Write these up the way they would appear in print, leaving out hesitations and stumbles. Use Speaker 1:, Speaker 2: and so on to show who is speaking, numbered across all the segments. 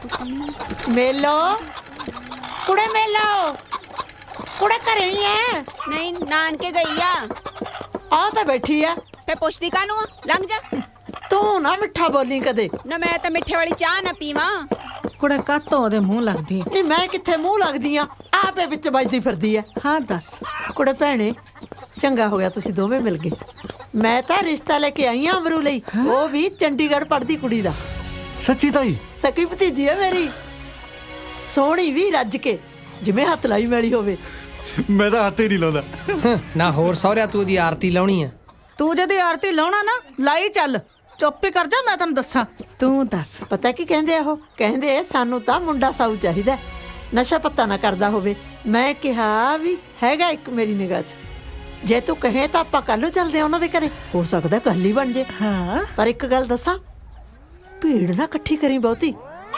Speaker 1: ਮੇਲੋ ਕੁੜੇ ਮੇਲੋ ਕੁੜੇ ਘਰੇ ਹੀ ਐ?
Speaker 2: ਨਹੀਂ ਨਾਨਕੇ ਗਈ ਆ।
Speaker 1: ਆ ਤਾਂ ਬੈਠੀ ਐ।
Speaker 2: ਫੇ ਪੁੱਛਦੀ ਕਾਹਨੂੰ ਆ? ਲੰਘ ਜਾ।
Speaker 1: ਤੂੰ ਨਾ ਮਿੱਠਾ ਬੋਲੀ ਕਦੇ।
Speaker 2: ਨਾ ਮੈਂ ਤਾਂ ਮਿੱਠੇ ਵਾਲੀ ਚਾਹ ਨਾ ਪੀਵਾਂ।
Speaker 3: ਕੁੜੇ ਕਾਤੋਂ ਉਹਦੇ ਮੂੰਹ ਲੱਗਦੀ
Speaker 1: ਨਹੀਂ ਮੈਂ ਕਿੱਥੇ ਮੂੰਹ ਲੱਗਦੀ ਆ, ਆਪੇ ਵਿੱਚ ਵੱਜਦੀ ਫਿਰਦੀ ਐ।
Speaker 3: ਹਾਂ ਦੱਸ।
Speaker 1: ਕੁੜੇ ਭੈਣੇ ਚੰਗਾ ਹੋ ਗਿਆ ਤੁਸੀਂ ਦੋਵੇਂ ਮਿਲ ਗਏ। ਮੈਂ ਤਾਂ ਰਿਸ਼ਤਾ ਲੈ ਕੇ ਆਈ ਆ ਅਮਰੂ ਲਈ, ਉਹ ਵੀ ਚੰਡੀਗੜ੍ਹ ਪੜ੍ਹਦੀ ਕੁੜੀ ਦਾ।
Speaker 4: ਸੱਚੀ ਤਾਈ?
Speaker 1: ਸਕੀ ਭਤੀਜੀ ਐ ਮੇਰੀ, ਸੋਹਣੀ ਵੀ ਰੱਜ ਕੇ ਜਿਵੇਂ ਹੱਥ ਲਾਈ ਮੈਲੀ ਹੋਵੇ।
Speaker 4: ਮੈਂ ਤਾਂ ਹੱਥ ਹੀ ਨਹੀਂ ਲਾਉਂਦਾ।
Speaker 5: ਨਾ ਹੋਰ ਸਹੁਰਿਆ ਤੂੰ ਦੀ ਆਰਤੀ ਲਾਉਣੀ ਆ?
Speaker 3: ਤੂੰ ਜਦੀ ਆਰਤੀ ਲਾਉਣਾ ਨਾ ਲਾਈ ਚੱਲ, ਚੁੱਪ ਹੀ ਕਰ ਜਾ। ਮੈਂ ਤੈਨੂੰ ਦੱਸਾਂ, ਤੂੰ ਦੱਸ।
Speaker 1: ਪਤਾ ਕੀ ਕਹਿੰਦੇ ਆ ਉਹ? ਕਹਿੰਦੇ ਸਾਨੂੰ ਤਾਂ ਮੁੰਡਾ ਸਾਊ ਚਾਹੀਦਾ, ਨਸ਼ਾ ਪੱਤਾ ਨਾ ਕਰਦਾ ਹੋਵੇ। ਮੈਂ ਕਿਹਾ ਵੀ ਹੈਗਾ ਇੱਕ ਮੇਰੀ ਨਿਗਾਹ 'ਚ, ਜੇ ਤੂੰ ਕਹੇ ਤਾਂ ਆਪਾਂ ਕੱਲ ਨੂੰ ਚੱਲਦੇ ਆ ਉਹਨਾਂ ਦੇ ਘਰੇ, ਹੋ ਸਕਦਾ ਗੱਲ ਹੀ ਬਣ ਜੇ।
Speaker 3: ਹਾਂ
Speaker 1: ਪਰ ਇੱਕ ਗੱਲ ਦੱਸਾਂ, ਭੀੜ ਨਾ ਇਕੱਠੀ ਕਰੀ ਬਹੁਤੀ,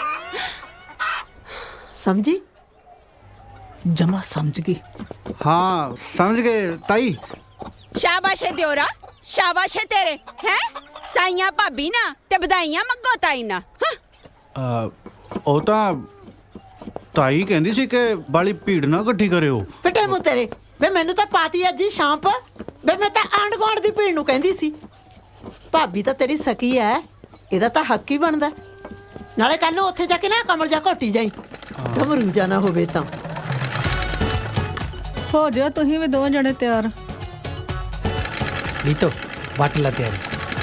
Speaker 1: ਸਮਝੀ?
Speaker 3: ਜਮਾ ਸਮਝ ਗਈ।
Speaker 4: ਹਾਂ ਸਮਝ ਗਏ ਤਾਈ।
Speaker 2: ਸ਼ਾਬਾਸ਼ ਏ ਦਿਓਰਾ, ਸ਼ਾਬਾਸ਼ ਏ ਤੇਰੇ। ਹੈ ਸਾਈਆਂ ਭਾਬੀ ਨਾ ਤੇ ਵਧਾਈਆਂ ਮੰਗੋ ਤਾਈ ਨਾ।
Speaker 4: ਉਹ ਤਾਂ ਤਾਈ ਕਹਿੰਦੀ ਸੀ ਕਿ ਬਾਲੀ ਭੀੜ ਨਾ ਇਕੱਠੀ ਕਰਿਓ।
Speaker 1: ਫਿੱਟੇ ਮੂੰਹ ਤੇਰੇ ਵੇ, ਮੈਨੂੰ ਤਾਂ ਪਾਤੀ ਅੱਜ ਹੀ ਸ਼ਾਮ ਪਰ ਵੇ। ਮੈਂ ਤਾਂ ਆਂਢ ਗੁਆਂਢ ਦੀ ਭੀੜ ਨੂੰ ਕਹਿੰਦੀ ਸੀ। ਭਾਬੀ ਤਾਂ ਤੇਰੀ ਸਕੀ ਐ, ਇਹਦਾ ਤਾਂ ਹੱਕ ਹੀ ਬਣਦਾ। ਨਾਲੇ ਕੱਲ ਨੂੰ ਉੱਥੇ ਜਾ ਕੇ ਨਾ ਕਮਰ ਜਾ ਘੋਟੀ ਜਾਈ, ਘਮਰੂ ਜਾ ਨਾ ਹੋਵੇ ਤਾਂ।
Speaker 3: ਹੋ ਜਾ ਤੁਸੀਂ ਵੀ ਦੋਵੇਂ ਜਣੇ ਤਿਆਰ।
Speaker 5: ਨੀਤੋ ਵੱਟ ਲਾ ਤਿਆਰੀ।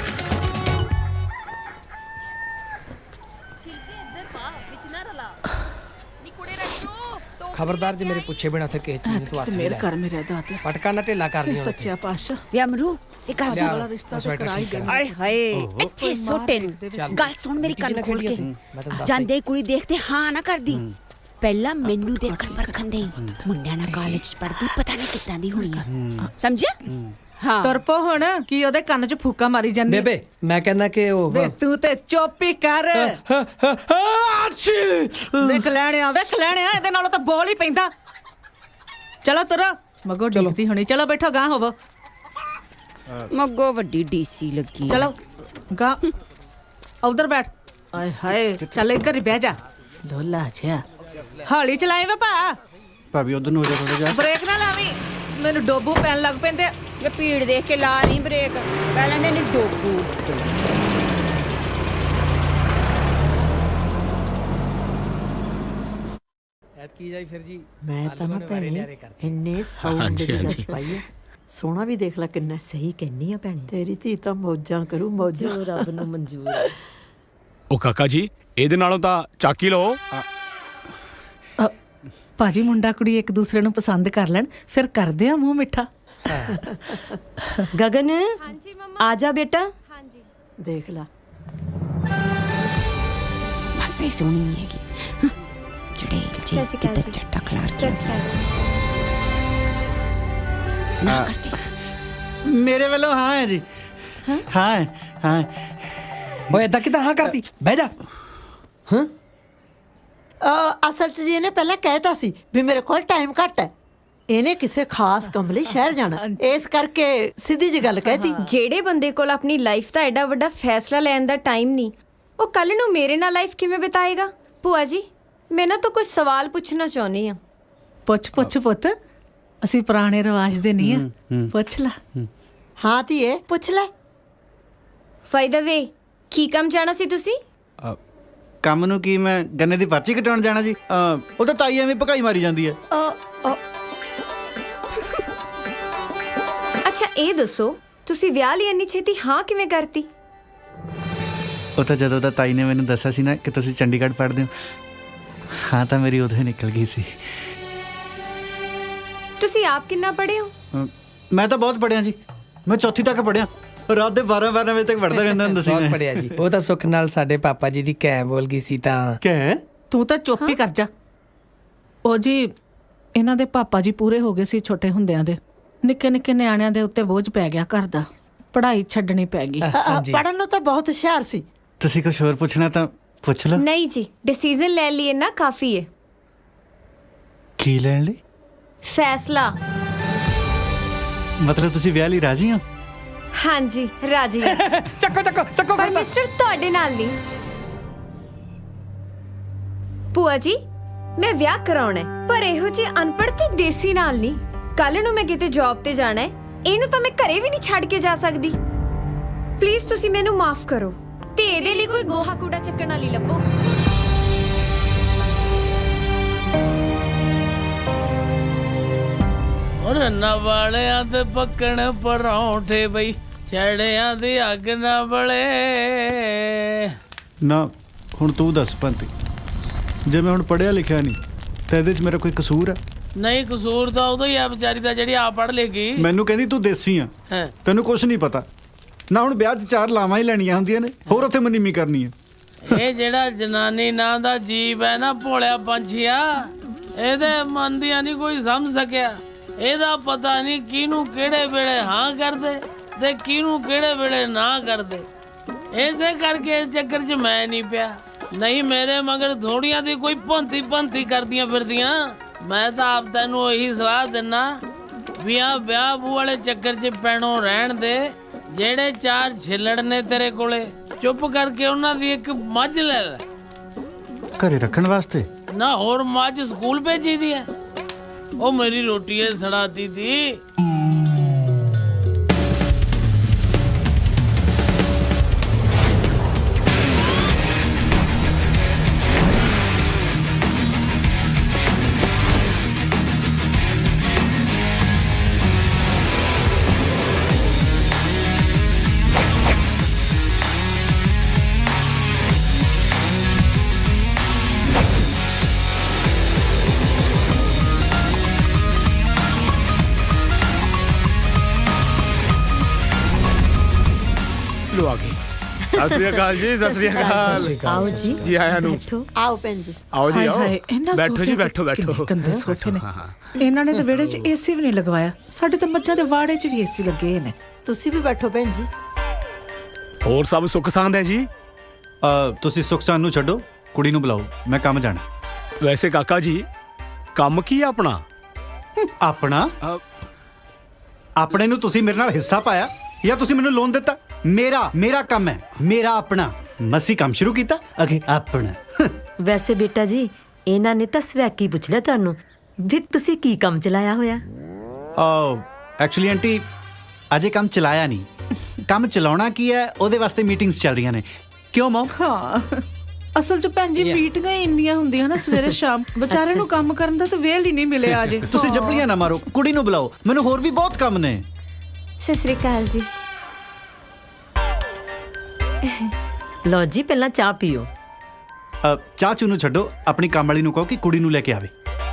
Speaker 5: ਖਬਰਦਾਰ ਜੇ ਮੇਰੇ ਪੁੱਛੇ ਬਿਨਾ ਉੱਥੇ ਕਿਸੇ ਚੀਜ਼ ਨੂੰ ਤੂੰ ਹੱਥ ਨਹੀਂ
Speaker 3: ਮੇਰੇ
Speaker 5: ਲਾਇਆ।
Speaker 3: ਘਰ ਮੇਰੇ ਦਾਤ
Speaker 5: ਪਟਕਾ ਨਾ ਢਿੱਲਾ ਕਰ ਲਈ
Speaker 3: ਸੱਚਿਆ ਪਾਤਸ਼ਾਹ।
Speaker 2: ਵੇ ਅਮਰੂ ਇਹ ਗੱਲ ਸੁਣ।
Speaker 3: ਵਾਲਾ ਰਿਸ਼ਤਾ ਤਾਂ ਕਰਾ ਹੀ ਦੇਣਾ।
Speaker 2: ਆਏ ਹਾਏ ਇੱਥੇ ਸੋਟੇ ਨੂੰ ਗੱਲ ਸੁਣ ਮੇਰੀ ਕੰਨ ਖੋਲ ਕੇ। ਜਾਂਦੇ ਕੁੜੀ ਦੇਖਦੇ ਹਾਂ ਨਾ ਕਰਦੀ। ਪਹਿਲਾਂ ਮੈਨੂੰ ਦੇਖਣ ਪਰਖਣ ਦੇ ਮੁੰਡਿਆਂ ਨਾਲ ਕਾਲਜ ਚ ਪੜਦੀ, ਪਤਾ ਨਹੀਂ ਕਿੱਦਾਂ ਦੀ ਹੋਣੀ ਆ, ਸਮਝਿਆ? ਹਾਂ
Speaker 3: ਤੁਰਪੋ ਹੁਣ ਕੀ ਉਹਦੇ ਕੰਨ 'ਚ ਫੂਕਾ ਮਾਰੀ ਜਾਂਦੀ?
Speaker 5: ਬੇਬੇ ਮੈਂ ਕਹਿੰਦਾ ਕਿ ਉਹ
Speaker 3: ਵੇ ਤੂੰ ਤੇ ਚੁੱਪ ਹੀ ਕਰ। ਵੇਖ ਲੈਣਿਆ ਇਹਦੇ ਨਾਲੋਂ ਤਾਂ ਬੋਲ ਹੀ ਪੈਂਦਾ। ਚਲੋ ਤੁਰੋ, ਮਗੋ ਡਿੱਗਦੀ ਹੋਣੀ। ਚਲੋ ਬੈਠੋ, ਗਾਂ ਹੋਵੋ।
Speaker 2: ਮੱਗੋ ਵੱਡੀ ਡੀਸੀ ਲੱਗੀ।
Speaker 3: ਚਲੋ ਗਾਂ ਉਧਰ ਬੈਠ। ਆਏ ਹਾਏ ਚੱਲ ਇੱਧਰ ਹੀ ਬਹਿ ਜਾ। ਢੋਲਾ ਜਿਹਾ ਹੌਲੀ ਚਲਾਏ ਵੇ ਭਾ,
Speaker 4: ਭਾਬੀ ਉਧਰ ਨੂੰ ਹੋ ਜਾ ਥੋੜਾ ਜਿਹਾ।
Speaker 3: ਬ੍ਰੇਕ ਨਾ ਲਾਵੀਂ, ਮੈਨੂੰ ਡੋਬੂ ਪੈਣ ਲੱਗ ਪੈਂਦੇ।
Speaker 2: ਇਹ ਭੀੜ ਦੇਖ ਕੇ ਲਾ ਨਹੀਂ ਬ੍ਰੇਕ, ਪਹਿਲਾਂ ਨੇ ਡੋਬੂ।
Speaker 5: ਕੀ ਜਾਈ ਫਿਰ ਜੀ?
Speaker 1: ਮੈਂ ਤਾਂ ਨਾ ਭੈਣੇ ਇੰਨੇ ਸਾਊਂਡ ਦੀ ਗੱਲ ਪਾਈ ਐ। ਸੋਹਣਾ ਵੀ ਦੇਖ ਲੈ ਕਿੰਨਾ।
Speaker 6: ਸਹੀ ਕਹਿੰਨੀ ਆ ਭੈਣੇ,
Speaker 1: ਤੇਰੀ ਧੀ ਤਾਂ ਮੌਜਾਂ ਕਰੂ, ਮੌਜਾਂ।
Speaker 6: ਜੋ ਰੱਬ ਨੂੰ ਮਨਜ਼ੂਰ ਹੈ।
Speaker 7: ਉਹ ਕਾਕਾ ਜੀ ਇਹਦੇ ਨਾਲੋਂ ਤਾਂ ਚਾਕੀ ਲਓ।
Speaker 3: ਭਾਜੀ ਮੁੰਡਾ ਕੁੜੀ ਇੱਕ ਦੂਸਰੇ ਨੂੰ ਪਸੰਦ ਕਰ ਲੈਣ, ਫਿਰ ਕਰਦੇ ਆ ਮੂੰਹ ਮਿੱਠਾ।
Speaker 6: ਗਗਨ ਆ ਜਾ ਬੇਟਾ।
Speaker 1: ਦੇਖ ਲੈ
Speaker 2: ਬਸ ਇਹ ਸੋਹਣੀ ਨਹੀਂ ਹੈਗੀ। ਜਿਹੜੇ ਜੀ ਕਿਤੇ ਚੱਟਾ ਖਲਾਰ ਕੇ ਨਾ ਕਰਦੇ।
Speaker 4: ਮੇਰੇ ਵੱਲੋਂ ਹਾਂ ਹੈ ਜੀ। ਹਾਂ ਹਾਂ।
Speaker 5: ਓਏ ਏਦਾਂ ਕਿਦਾਂ ਹਾਂ ਕਰਤੀ? ਬਹਿ ਜਾ। ਹਾਂ
Speaker 1: ਅਸਲ 'ਚ ਜੀ ਇਹਨੇ ਪਹਿਲਾਂ ਕਹਿਤਾ ਸੀ ਵੀ ਮੇਰੇ ਕੋਲ ਟਾਈਮ ਘੱਟ ਹੈ। ਇਹਨੇ ਕਿਸੇ ਖਾਸ ਕੰਮ ਲਈ ਸ਼ਹਿਰ ਜਾਣਾ, ਇਸ ਕਰਕੇ ਸਿੱਧੀ ਜੀ ਗੱਲ ਕਹਿਤੀ।
Speaker 8: ਜਿਹੜੇ ਬੰਦੇ ਕੋਲ ਆਪਣੀ ਲਾਈਫ ਦਾ ਐਡਾ ਵੱਡਾ ਫੈਸਲਾ ਲੈਣ ਦਾ ਟਾਈਮ ਨਹੀਂ, ਉਹ ਕੱਲ ਨੂੰ ਮੇਰੇ ਨਾਲ ਲਾਈਫ ਕਿਵੇਂ ਬਿਤਾਏਗਾ? ਭੂਆ ਜੀ ਮੈਂ ਨਾ ਤਾਂ ਕੁਝ ਸਵਾਲ ਪੁੱਛਣਾ ਚਾਹੁੰਦੀ ਆ।
Speaker 3: ਪੁੱਛ ਪੁੱਤ, ਅਸੀਂ ਪੁਰਾਣੇ ਰਿਵਾਜ ਦੇ ਨਹੀਂ ਆ। ਪੁੱਛ ਲੈ।
Speaker 1: ਹਾਂ ਧੀਏ ਪੁੱਛ ਲੈ।
Speaker 8: ਫਾਇਦਾ ਵੇ ਕੀ ਕੰਮ ਜਾਣਾ ਸੀ ਤੁਸੀਂ?
Speaker 4: ਕੰਮ ਨੂੰ ਕੀ, ਮੈਂ ਗੰਨੇ ਦੀ ਪਰਚੀ ਕਟਾਉਣ ਜਾਣਾ ਜੀ। ਉਹ ਤਾਂ ਤਾਈ ਐਵੇਂ ਭਕਾਈ ਮਾਰੀ ਜਾਂਦੀ ਹੈ।
Speaker 8: ਅੱਛਾ ਇਹ ਦੱਸੋ ਤੁਸੀਂ ਵਿਆਹ ਲਈ ਇੰਨੀ ਛੇਤੀ ਹਾਂ ਕਿਵੇਂ ਕਰਤੀ?
Speaker 4: ਉਹ ਤਾਂ ਜਦੋਂ ਤਾਂ ਤਾਈ ਨੇ ਮੈਨੂੰ ਦੱਸਿਆ ਸੀ ਨਾ ਕਿ ਤੁਸੀਂ ਚੰਡੀਗੜ੍ਹ ਪੜ੍ਹਦੇ ਹੋ, ਹਾਂ ਤਾਂ ਮੇਰੀ ਉਦੋਂ ਹੀ ਨਿਕਲ ਗਈ ਸੀ।
Speaker 8: ਤੁਸੀਂ ਆਪ ਕਿੰਨਾ ਪੜ੍ਹੇ ਹੋ?
Speaker 4: ਮੈਂ ਤਾਂ ਬਹੁਤ ਪੜ੍ਹਿਆ ਜੀ, ਮੈਂ ਚੌਥੀ ਤੱਕ ਪੜ੍ਹਿਆ। ਰਾਤ ਦੇ 12 ਵਜੇ ਤੱਕ ਪੜ੍ਹਦਾ ਰਹਿੰਦਾ ਹੁੰਦਾ ਸੀ
Speaker 5: ਬਹੁਤ
Speaker 4: ਮੈਂ।
Speaker 5: ਪੜਿਆ ਜੀ। ਉਹ ਤਾਂ ਸੁੱਖ ਨਾਲ ਸਾਡੇ ਪਾਪਾ ਜੀ ਦੀ ਕਹਿ ਬੋਲ ਗਈ ਸੀ ਤਾਂ।
Speaker 4: ਕਹਿ?
Speaker 3: ਤੂੰ ਤਾਂ ਚੁੱਪ ਹੀ ਕਰ ਜਾ। ਉਹ ਜੀ ਇਹਨਾਂ ਦੇ ਪਾਪਾ ਜੀ ਪੂਰੇ ਹੋ ਗਏ ਸੀ ਛੋਟੇ ਹੁੰਦਿਆਂ ਦੇ। ਨਿੱਕੇ ਨਿੱਕੇ ਨਿਆਣਿਆਂ ਦੇ ਉੱਤੇ ਬੋਝ ਪੈ ਗਿਆ ਘਰ ਦਾ, ਪੜ੍ਹਾਈ ਛੱਡਣੀ ਪੈ ਗਈ।
Speaker 1: ਪੜ੍ਹਨ ਨੂੰ ਤਾਂ ਬਹੁਤ ਹੁਸ਼ਿਆਰ ਸੀ।
Speaker 4: ਤੁਸੀਂ ਕੁਝ ਹੋਰ ਪੁੱਛਣਾ ਤਾਂ ਪੁੱਛ ਲਓ।
Speaker 8: ਨਹੀਂ ਜੀ, ਡਿਸੀਜਨ ਲੈ ਲਈ ਨਾ ਕਾਫੀ ਹੈ।
Speaker 4: ਕੀ ਲੈਣ ਲਈ?
Speaker 8: ਫੈਸਲਾ।
Speaker 4: ਮਤਲਬ ਤੁਸੀਂ ਵਿਆਹ ਲਈ ਰਾਜ਼ੀ ਹੋ?
Speaker 8: ਹਾਂਜੀ ਰਾਜੀ ਹਾਂ।
Speaker 5: ਚੱਕੋ
Speaker 8: ਪਰ ਮਿਸਟਰ ਤੁਹਾਡੇ ਨਾਲ ਨਹੀਂ। ਭੂਆ ਜੀ ਮੈਂ ਵਿਆਹ ਕਰਾਉਣਾ ਹੈ, ਪਰ ਇਹੋ ਜਿਹੀ ਅਨਪੜ੍ਹ ਤੇ ਦੇਸੀ ਨਾਲ ਨਹੀਂ। ਕੱਲ ਨੂੰ ਮੈਂ ਕਿਤੇ ਜੌਬ ਤੇ ਜਾਣਾ ਹੈ, ਇਹਨੂੰ ਤਾਂ ਮੈਂ ਘਰੇ ਵੀ ਨਹੀਂ ਛੱਡ ਕੇ ਜਾ ਸਕਦੀ। ਪਲੀਜ਼ ਤੁਸੀਂ ਮੈਨੂੰ ਮਾਫ ਕਰੋ ਤੇ ਇਹਦੇ ਲਈ ਕੋਈ ਗੋਹਾ ਕੂੜਾ ਚੱਕਣ ਵਾਲੀ ਲੱਭੋ।
Speaker 9: ਰੰਨਾ ਵਾਲਿਆਂ ਤੇ ਪੱਕਣ ਪਰੌਂਠੇ ਬਈ, ਛੜਿਆਂ ਦੀ ਅੱਗ ਨਾ ਬਲੇ।
Speaker 4: ਨਾ ਹੁਣ ਤੂੰ ਦੱਸ ਪੰਤੀ, ਜੇ ਮੈਂ ਹੁਣ ਪੜ੍ਹਿਆ ਲਿਖਿਆ ਨਹੀਂ ਤਾਂ ਇਹਦੇ 'ਚ ਮੇਰਾ ਕੋਈ ਕਸੂਰ ਹੈ?
Speaker 9: ਨਹੀਂ, ਕਸੂਰ ਤਾਂ ਉਦੋਂ ਹੀ ਆ ਵਿਚਾਰੀ ਦਾ ਜਿਹੜੀ ਆ ਪੜ੍ਹ ਲੇਗੀ।
Speaker 4: ਮੈਨੂੰ ਕਹਿੰਦੀ ਤੂੰ ਦੇਸੀ ਆ,
Speaker 9: ਹੈਂ।
Speaker 4: ਤੈਨੂੰ ਕੁਝ ਨਹੀਂ ਪਤਾ ਨਾ। ਹੁਣ ਵਿਆਹ 'ਚ 4 ਲਾਵਾਂ ਹੀ ਲੈਣੀਆਂ ਹੁੰਦੀਆਂ ਨੇ, ਹੋਰ ਉੱਥੇ ਮਨੀਮੀ ਕਰਨੀ ਹੈ।
Speaker 9: ਇਹ ਜਿਹੜਾ ਜਨਾਨੀ ਨਾਂ ਦਾ ਜੀਵ ਹੈ ਨਾ, ਭੋਲਿਆ ਪੰਛੀਆ, ਇਹਦੇ ਮਨ ਦੀਆਂ ਨਹੀਂ ਕੋਈ ਸਮਝ ਸਕਿਆ। ਇਹਦਾ ਪਤਾ ਨਹੀਂ ਕਿਹਨੂੰ ਕਿਹੜੇ ਵੇਲੇ ਹਾਂ ਕਰਦੇ ਤੇ ਕਿਹਨੂੰ ਕਿਹੜੇ ਵੇਲੇ ਨਾ ਕਰਦੇ। ਇਸੇ ਕਰਕੇ ਇਸ ਚੱਕਰ 'ਚ ਮੈਂ ਨਹੀਂ ਪਿਆ, ਨਹੀਂ ਮੇਰੇ ਮਗਰ ਥੋੜੀਆਂ ਦੀ ਕੋਈ ਭੰਤੀ ਕਰਦੀਆਂ ਫਿਰਦੀਆਂ। ਮੈਂ ਤਾਂ ਆਪ ਤੈਨੂੰ ਇਹੀ ਸਲਾਹ ਦਿੰਨਾ ਵੀ ਆ ਵਿਆਹ ਬੂ ਵਾਲੇ ਚੱਕਰ 'ਚ ਪੈਣੋਂ ਰਹਿਣ ਦੇ। ਜਿਹੜੇ 4 ਛਿੱਲੜ ਨੇ ਤੇਰੇ ਕੋਲੇ, ਚੁੱਪ ਕਰਕੇ ਉਹਨਾਂ ਦੀ ਇੱਕ ਮੱਝ ਲੈ ਲੈ।
Speaker 4: ਘਰੇ ਰੱਖਣ ਵਾਸਤੇ?
Speaker 9: ਨਾ ਹੋਰ ਮੱਝ ਸਕੂਲ ਭੇਜੀ ਦੀ ਹੈ। ਉਹ ਮੇਰੀ ਰੋਟੀ ਏ ਸੜਾਤੀ ਦੀ।
Speaker 7: ਲੋ ਆ ਗਏ। ਸਤਿ ਸ੍ਰੀ ਅਕਾਲ ਜੀ, ਸਤਿ ਸ੍ਰੀ ਅਕਾਲ।
Speaker 6: ਆਓ ਜੀ
Speaker 7: ਜੀ ਆਇਆਂ ਨੂੰ।
Speaker 6: ਬੈਠੋ।
Speaker 1: ਆਓ ਭੈਣ ਜੀ।
Speaker 7: ਆਓ ਜੀ,
Speaker 3: ਹਾਏ
Speaker 7: ਆਓ।
Speaker 3: ਹਾਏ, ਇਹਨਾਂ
Speaker 7: ਬੈਠੋ ਜੀ,
Speaker 3: ਸੋਫਿਆਂ ਤੇ
Speaker 7: ਬੈਠੋ ਬੈਠੋ।
Speaker 3: ਕਿੰਨੇ ਗੰਦੇ ਸੋਫੇ ਨੇ।
Speaker 7: ਹਾਂ, ਹਾਂ।
Speaker 3: ਇਹਨਾਂ ਨੇ ਤਾਂ ਵਿਹੜੇ 'ਚ ਏਸੀ ਵੀ ਨਹੀਂ ਲਗਵਾਇਆ। ਸਾਡੇ ਤਾਂ ਮੱਝਾਂ ਦੇ ਵਾੜੇ 'ਚ ਵੀ ਏਸੀ ਲੱਗੇ ਨੇ।
Speaker 1: ਤੁਸੀਂ ਵੀ ਬੈਠੋ ਭੈਣ ਜੀ।
Speaker 7: ਹੋਰ ਸਭ ਸੁੱਖ ਸਾਂਦ ਹੈ ਜੀ?
Speaker 4: ਤੁਸੀਂ ਸੁਖ ਸਾਨੂੰ ਛੱਡੋ, ਕੁੜੀ ਨੂੰ ਬੁਲਾਓ, ਮੈਂ ਕੰਮ ਜਾਣਾ।
Speaker 7: ਵੈਸੇ ਕਾਕਾ ਜੀ ਕੰਮ ਕੀ ਆ ਆਪਣਾ?
Speaker 4: ਆਪਣਾ?
Speaker 7: ਅ,
Speaker 4: ਆਪਣੇ ਨੂੰ ਤੁਸੀਂ ਮੇਰੇ ਨਾਲ ਹਿੱਸਾ ਪਾਇਆ ਜਾਂ ਤੁਸੀਂ ਮੈਨੂੰ ਲੋਨ ਦਿੱਤਾ? ਮੇਰਾ ਕੰਮ ਹੈ, ਮੇਰਾ ਆਪਣਾ। ਮਸੀਂ ਕੰਮ ਸ਼ੁਰੂ ਕੀਤਾ, ਅਗੇ ਆਪਣਾ।
Speaker 6: ਵੈਸੇ ਬੇਟਾ ਜੀ, ਇਹਨਾਂ ਨੇ ਤਾਂ ਸਵੈਕੀ ਪੁੱਛ ਲਿਆ ਤੁਹਾਨੂੰ ਵੀ ਤੁਸੀਂ ਕੀ ਕੰਮ ਚਲਾਇਆ ਹੋਇਆ।
Speaker 4: ਐਕਚੁਅਲੀ ਆਂਟੀ ਅਜੇ ਕੰਮ ਚਲਾਇਆ ਨਹੀਂ। ਕੰਮ ਚਲਾਉਣਾ ਕੀ ਹੈ, ਉਹਦੇ ਵਾਸਤੇ ਮੀਟਿੰਗਸ ਚੱਲ ਰਹੀਆਂ ਨੇ। ਕਿਉਂ ਮਮ?
Speaker 3: ਹਾਂ, ਅਸਲ 'ਚ ਭੈਣ ਜੀ ਮੀਟਿੰਗਾਂ ਹੀ ਇੰਨੀਆਂ ਹੁੰਦੀਆਂ ਨਾ ਸਵੇਰੇ ਸ਼ਾਮ, ਵਿਚਾਰੇ ਨੂੰ ਕੰਮ ਕਰਨ ਦਾ ਤਾਂ ਵੇਲ ਹੀ ਨਹੀਂ ਮਿਲਿਆ ਅਜੇ।
Speaker 4: ਤੁਸੀਂ ਜੱਪਲੀਆਂ ਨਾ ਮਾਰੋ, ਕੁੜੀ ਨੂੰ ਬੁਲਾਓ, ਮੈਨੂੰ ਹੋਰ ਵੀ ਬਹੁਤ ਕੰਮ ਨੇ।
Speaker 8: ਸਤਿ ਸ੍ਰੀ ਅਕਾਲ ਜੀ।
Speaker 6: ਲਓ ਜੀ, ਪਹਿਲਾਂ ਚਾਹ ਪੀਓ।
Speaker 4: ਚਾਚੂ ਨੂੰ ਛੱਡੋ, ਆਪਣੀ ਕੰਮ ਵਾਲੀ ਨੂੰ ਕਹੋ ਕਿ ਕੁੜੀ ਨੂੰ ਲੈ ਕੇ ਆਵੇ।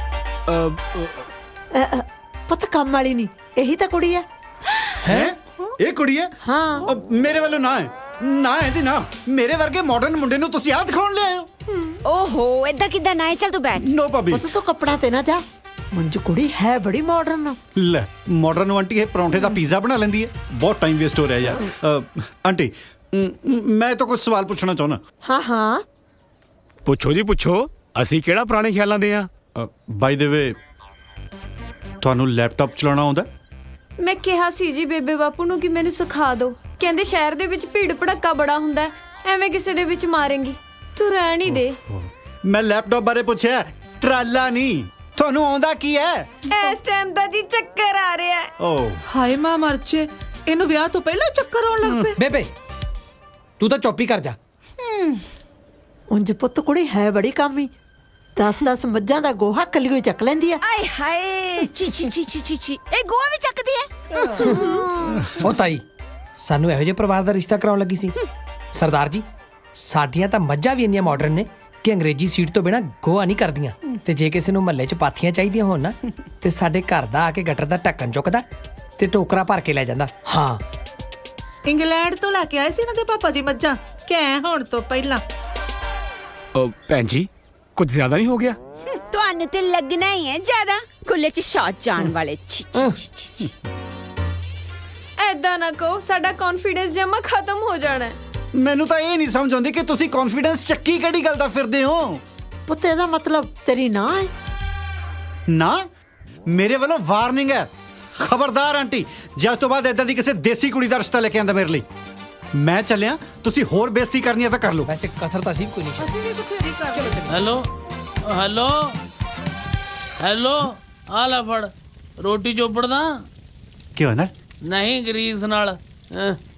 Speaker 1: ਪੁੱਤ ਕੰਮ ਵਾਲੀ ਨਹੀਂ, ਇਹੀ ਤਾਂ ਕੁੜੀ ਹੈ।
Speaker 4: ਹੈ? ਇਹ ਕੁੜੀ ਹੈ?
Speaker 1: ਹਾਂ।
Speaker 4: ਮੇਰੇ ਵੱਲੋਂ ਨਾ ਹੈ, ਨਾ ਹੈ ਜੀ ਨਾ। ਮੇਰੇ ਵਰਗੇ ਮਾਡਰਨ ਮੁੰਡੇ ਨੂੰ ਤੁਸੀਂ ਆਹ ਦਿਖਾਉਣ ਲਿਆਏ ਹੋ?
Speaker 2: ਓਹੋ, ਏਦਾਂ ਕਿੱਦਾਂ ਨਾ ਹੈ? ਚੱਲ ਤੂੰ ਬੈਠ।
Speaker 4: ਨੋ ਭਾਬੀ।
Speaker 1: ਪੁੱਤ ਤੂੰ ਕੱਪੜਾ ਤੇ ਨਾ ਜਾ, ਮੁੰਜ ਕੁੜੀ ਹੈ ਬੜੀ ਮਾਡਰਨ।
Speaker 4: ਲੈ ਮਾਡਰਨ ਆਂਟੀ ਇਹ ਪਰੌਂਠੇ ਦਾ ਪੀਜ਼ਾ ਬਣਾ ਲੈਂਦੀ ਹੈ। ਬਹੁਤ ਟਾਈਮ ਵੇਸਟ ਹੋ ਰਿਹਾ ਯਾਰ। ਆਂਟੀ ਮੈਂ ਤਾਂ ਕੁਝ ਸਵਾਲ ਪੁੱਛਣਾ ਚਾਹੁੰਦਾ।
Speaker 1: ਹਾਂ
Speaker 7: ਪੁੱਛੋ ਜੀ ਪੁੱਛੋ, ਅਸੀਂ ਕਿਹੜਾ ਪੁਰਾਣੇ ਖਿਆਲਾਂ ਦੇ ਆ।
Speaker 4: ਬਾਈ ਦ ਵੇ, ਤੁਹਾਨੂੰ ਲੈਪਟਾਪ ਚਲਾਉਣਾ ਆਉਂਦਾ?
Speaker 8: ਮੈਂ ਕਿਹਾ ਸੀ ਜੀ ਬੇਬੇ ਬਾਪੂ ਨੂੰ ਕਿ ਮੈਨੂੰ ਸਿਖਾ ਦਿਓ। ਕਹਿੰਦੇ ਸ਼ਹਿਰ ਦੇ ਵਿੱਚ ਭੀੜ ਭੜੱਕਾ ਬੜਾ ਹੁੰਦਾ ਹੈ, ਐਵੇਂ ਕਿਸੇ ਦੇ ਵਿੱਚ ਮਾਰੇਂਗੀ। ਤੂੰ ਰਹਿਣ ਹੀ ਦੇ।
Speaker 4: ਮੈਂ ਲੈਪਟਾਪ ਬਾਰੇ ਪੁੱਛਿਆ, ਟਰਾਲਾ ਨਹੀਂ। ਤੁਹਾਨੂੰ ਆਉਂਦਾ ਕੀ ਹੈ?
Speaker 8: ਇਸ ਟਾਈਮ ਦਾ ਜੀ ਚੱਕਰ ਆ ਰਿਹਾ ਹੈ।
Speaker 4: ਓ
Speaker 3: ਹਾਏ ਮਾਂ ਮਰਚੇ, ਇਹਨੂੰ ਵਿਆਹ ਤੋਂ ਪਹਿਲਾਂ ਚੱਕਰ ਆਉਣ ਲੱਗ ਪਏ।
Speaker 5: ਬੇਬੇ ਤੂੰ ਤਾਂ ਚੁੱਪ ਹੀ ਕਰ ਜਾ।
Speaker 1: ਉਂਝ ਪੁੱਤ ਕੁੜੀ ਹੈ ਬੜੀ ਕਾਮੀ। 10 ਮੱਝਾਂ ਦਾ ਗੋਹਾ ਕੱਲੀ ਚੱਕ ਲੈਂਦੀ ਆ।
Speaker 2: ਆਏ ਹਾਏ, ਚੀ ਚੀ ਚੀ ਚੀ ਚੀ ਚੀ, ਇਹ ਗੋਆ ਵੀ ਚੱਕਦੀ ਹੈ।
Speaker 5: ਉਹ ਤਾਈ, ਸਾਨੂੰ ਇਹੋ ਜਿਹੇ ਪਰਿਵਾਰ ਦਾ ਰਿਸ਼ਤਾ ਕਰਾਉਣ ਲੱਗੀ ਸੀ। ਸਰਦਾਰ ਜੀ, ਸਾਡੀਆਂ ਤਾਂ ਮੱਝਾਂ ਵੀ ਇੰਨੀਆਂ ਮਾਡਰਨ ਨੇ ਕਿ ਅੰਗਰੇਜ਼ੀ ਸੀਟ ਤੋਂ ਬਿਨਾ ਗੋਆ ਨਹੀਂ ਕਰਦੀਆਂ। ਤੇ ਜੇ ਕਿਸੇ ਨੂੰ ਮਹੱਲੇ 'ਚ ਪਾਥੀਆਂ ਚਾਹੀਦੀਆਂ ਹੋਣ ਨਾ, ਤੇ ਸਾਡੇ ਘਰ ਦਾ ਆ ਕੇ ਗਟਰ ਦਾ ਢੱਕਣ ਚੁੱਕਦਾ ਤੇ ਟੋਕਰਾ ਭਰ ਕੇ ਲੈ ਜਾਂਦਾ। ਹਾਂ,
Speaker 3: ਇੰਗਲੈਂਡ ਤੋਂ ਲੈ ਕੇ ਆਏ ਸੀ ਇਹਨਾਂ ਦੇ ਪਾਪਾ ਜੀ ਮੱਝਾਂ, ਕਹਿ ਹੋਣ ਤੋਂ ਪਹਿਲਾਂ।
Speaker 7: ਭੈਣ ਜੀ ਕੁਝ ਜ਼ਿਆਦਾ ਨਹੀਂ ਹੋ ਗਿਆ?
Speaker 2: ਤੁਹਾਨੂੰ ਤੇ ਲੱਗਣਾ ਹੀ ਹੈ ਜ਼ਿਆਦਾ, ਖੁੱਲੇ 'ਚ ਸ਼ਾਟ ਜਾਣ ਵਾਲੇ। ਛੀ ਛੀ ਛੀ ਛੀ।
Speaker 8: ਐਦਾਂ ਨਾ ਕਹੋ, ਸਾਡਾ ਕੌਨਫੀਡੈਂਸ ਜਮਾ ਖਤਮ ਹੋ ਜਾਣਾ ਹੈ।
Speaker 4: ਮੈਨੂੰ ਤਾਂ ਇਹ ਨਹੀਂ ਸਮਝ ਆਉਂਦੀ ਕਿ ਤੁਸੀਂ ਕੌਨਫੀਡੈਂਸ ਚੱਕੀ ਕਿਹੜੀ ਗੱਲ ਦਾ ਫਿਰਦੇ ਹੋ?
Speaker 1: ਪੁੱਤ ਇਹਦਾ ਮਤਲਬ ਤੇਰੀ ਨਾ ਹੈ?
Speaker 4: ਨਾ, ਮੇਰੇ ਵੱਲੋਂ ਵਾਰਨਿੰਗ ਹੈ। ਖਬਰਦਾਰ ਆਂਟੀ, ਜੇ ਅੱਜ ਤੋਂ ਬਾਅਦ ਇਦਾਂ ਦੀ ਕਿਸੇ ਦੇਸੀ ਕੁੜੀ ਦਾ ਰਿਸ਼ਤਾ ਲੈ ਕੇ ਆਂਦਾ ਮੇਰੇ ਲਈ। ਮੈਂ ਚੱਲਿਆ, ਤੁਸੀਂ ਹੋਰ ਬੇਇੱਜ਼ਤੀ ਕਰਨੀ ਹੈ ਤਾਂ ਕਰ ਲਓ।
Speaker 5: ਵੈਸੇ ਕਸਰ ਤਾਂ ਸੀ ਕੋਈ ਨਹੀਂ।
Speaker 3: ਅਸੀਂ ਵੀ ਬਥੇਰੀ ਕਰ
Speaker 9: ਹੈਲੋ, ਹੈਲੋ ਹੈਲੋ ਆ ਲੈ ਫੜ ਰੋਟੀ ਚੋਪੜਦਾ
Speaker 4: ਕਿਉਂ ਨਾ
Speaker 9: ਨਹੀਂ ਗਰੀਸ ਨਾਲ